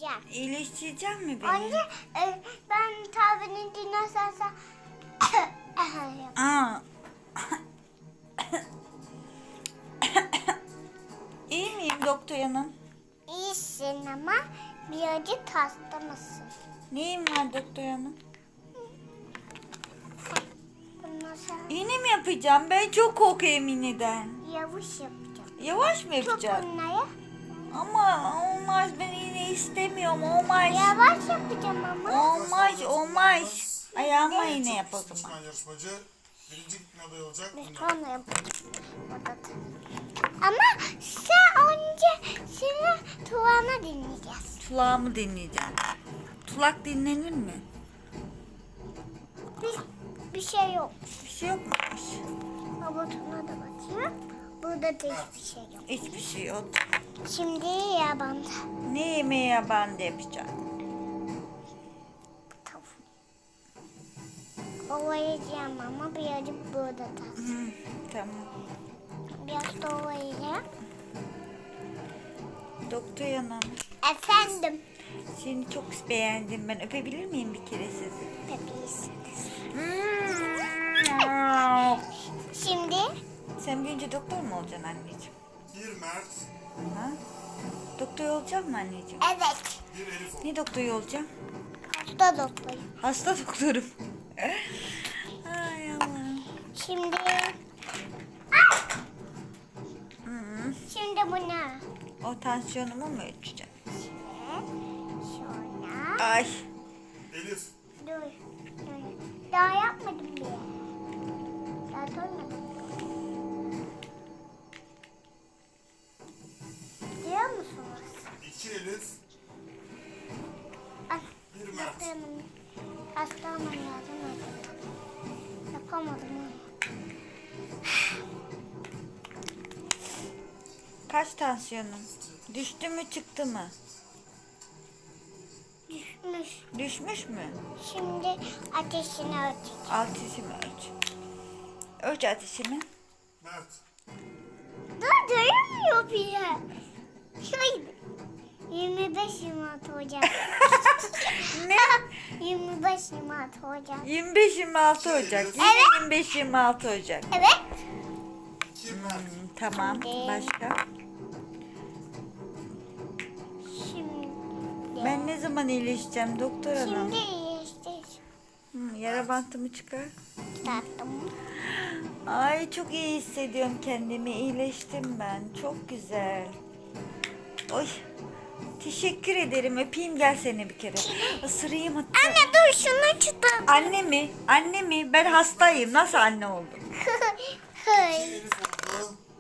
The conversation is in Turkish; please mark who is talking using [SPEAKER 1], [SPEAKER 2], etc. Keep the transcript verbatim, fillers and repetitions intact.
[SPEAKER 1] İyileştireceğim.
[SPEAKER 2] İyileştireceğim mi beni?
[SPEAKER 1] Önce e, ben tabini dinlersen
[SPEAKER 2] Aa. İyi miyim doktor hanım?
[SPEAKER 1] İyisin ama birazcık hasta mısın?
[SPEAKER 2] Neyim var doktor hanım?
[SPEAKER 1] Bunu sen
[SPEAKER 2] İğne mi yapacağım? Ben çok korkuyorum iğneden.
[SPEAKER 1] yavaş yapacağım.
[SPEAKER 2] Yavaş mı
[SPEAKER 1] Tut
[SPEAKER 2] yapacağım?
[SPEAKER 1] bunları.
[SPEAKER 2] Ama olmaz, ben iğne istemiyorum, olmaz.
[SPEAKER 1] Yavaş yapacağım ama.
[SPEAKER 2] Olmaz, olmaz. Ayağıma iğne yap o zaman.
[SPEAKER 3] Çıkan yarışmacı birinci gitme adayı olacak.
[SPEAKER 1] Biz
[SPEAKER 3] Bunlar.
[SPEAKER 1] sonra yapacağız. Burada da. Ama sen önce seni Tuğan'a dinleyeceğiz.
[SPEAKER 2] Tulağımı dinleyeceğim. Tulak dinlenir mi?
[SPEAKER 1] Bir, bir şey yok.
[SPEAKER 2] Bir şey yok muymuş?
[SPEAKER 1] Robotuna da bakayım. Burada da hiçbir şey yok.
[SPEAKER 2] Hiçbir şey yok.
[SPEAKER 1] Şimdi yabanda.
[SPEAKER 2] Ne yemeği ben de yapacağım?
[SPEAKER 1] Tavuk. Ovalayacağım ama birazcık burada da.
[SPEAKER 2] Hı, tamam.
[SPEAKER 1] Biraz da ovalayacağım.
[SPEAKER 2] Doktor hanım,
[SPEAKER 1] Efendim.
[SPEAKER 2] seni çok beğendim. Ben öpebilir miyim bir kere sizi?
[SPEAKER 1] Bebeğisiniz. Şimdi
[SPEAKER 2] Sen büyüyünce doktor mu olacaksın anneciğim?
[SPEAKER 3] Bir Mert,
[SPEAKER 2] Ha? Doktor olacak mı anneciğim?
[SPEAKER 1] evet.
[SPEAKER 3] bir Elif oldu.
[SPEAKER 2] Ne doktoru olacağım?
[SPEAKER 1] Hasta doktorum.
[SPEAKER 2] Hasta doktorum. Ay Allah'ım.
[SPEAKER 1] Şimdi
[SPEAKER 2] Hı.
[SPEAKER 1] şimdi bu ne?
[SPEAKER 2] O tansiyonumu mu ölçeceğim?
[SPEAKER 1] Sonra
[SPEAKER 2] Ay.
[SPEAKER 3] Elif,
[SPEAKER 1] dur. dur. Daha yapmadım bile. Daha doymadım. Diyor musunuz?
[SPEAKER 3] iki Elif,
[SPEAKER 1] Ay,
[SPEAKER 3] bir Mert.
[SPEAKER 1] doktorumun hastamın yardım edin. Yapamadım onu.
[SPEAKER 2] Kaç tansiyonum? Düştü mü çıktı mı?
[SPEAKER 1] Düşmüş.
[SPEAKER 2] Düşmüş mü?
[SPEAKER 1] Şimdi ateşini ölçeceğim.
[SPEAKER 2] Ateşimi ölç. Ölç ateşimi.
[SPEAKER 3] Mert,
[SPEAKER 1] Dur dayanmıyor bile. Şöyle. yirmi beş yirmi altı Ocak.
[SPEAKER 2] Ne?
[SPEAKER 1] yirmi beş yirmi altı Ocak.
[SPEAKER 2] yirmi beş yirmi altı Ocak. Yine
[SPEAKER 1] Evet.
[SPEAKER 2] yirmi beş yirmi altı Ocak.
[SPEAKER 1] Evet.
[SPEAKER 3] iki Mert.
[SPEAKER 2] Hmm, tamam.
[SPEAKER 1] Şimdi-
[SPEAKER 2] Başka?
[SPEAKER 1] Şimdi.
[SPEAKER 2] Ben ne zaman iyileşeceğim doktor hanım?
[SPEAKER 1] Şimdi işte
[SPEAKER 2] Hmm, yara bantımı çıkar.
[SPEAKER 1] tatlım.
[SPEAKER 2] Ay çok iyi hissediyorum kendimi. İyileştim ben. Çok güzel. Oy. Teşekkür ederim. Öpeyim gel seni bir kere. Isırayım hatta.
[SPEAKER 1] Anne dur şunu çıtır.
[SPEAKER 2] Anne mi? Anne mi? Ben hastayım. Nasıl anne oldum?
[SPEAKER 3] iki Elif oldu.